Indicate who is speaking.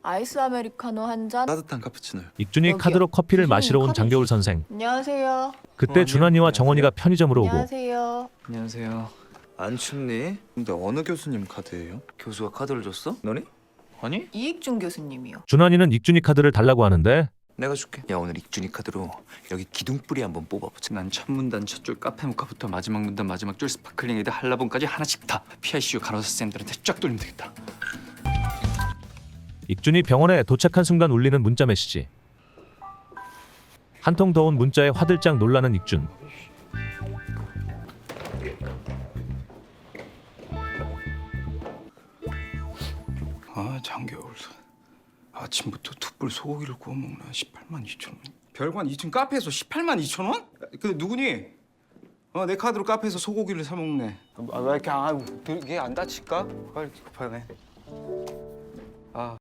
Speaker 1: 아이스 아메리카노 한 잔.
Speaker 2: 따뜻한 카푸치노요.
Speaker 3: 익준이
Speaker 1: 여기요.
Speaker 3: 카드로 커피를
Speaker 1: 교수님,
Speaker 3: 마시러 온
Speaker 1: 카드
Speaker 3: 장겨울
Speaker 1: 주세요.
Speaker 3: 선생.
Speaker 1: 안녕하세요.
Speaker 3: 그때 준환이와 정원이가 편의점으로 오고
Speaker 1: 안녕하세요.
Speaker 4: 안녕하세요.
Speaker 5: 안 춥니?
Speaker 2: 근데 어느 교수님 카드예요?
Speaker 5: 교수가 카드를 줬어? 너니?
Speaker 4: 아니?
Speaker 1: 이익준 교수님이요.
Speaker 3: 준환이는 익준이 카드를 달라고 하는데
Speaker 5: 내가 줄게. 야 오늘 익준이 카드로 여기 기둥뿌리 한번 뽑아보자.
Speaker 4: 난 첫 문단 첫 줄 카페 모카부터 마지막 문단 마지막 줄 스파클링 에드 한라봉까지 하나씩 다 PICU 간호사 쌤들한테 쫙 돌리면 되겠다.
Speaker 3: 익준이 병원에 도착한 순간 울리는 문자 메시지. 한 통 더 온 문자에 화들짝 놀라는 익준.
Speaker 6: 아 장겨울 아침부터 툭불 소고기를 구워 먹나 18만 2천 원. 별관 2층 카페에서 18만 2천 원? 근데 누구니? 내 카드로 카페에서 소고기를 사 먹네. 왜 이렇게 이게 안 다칠까? 빨리 급하네.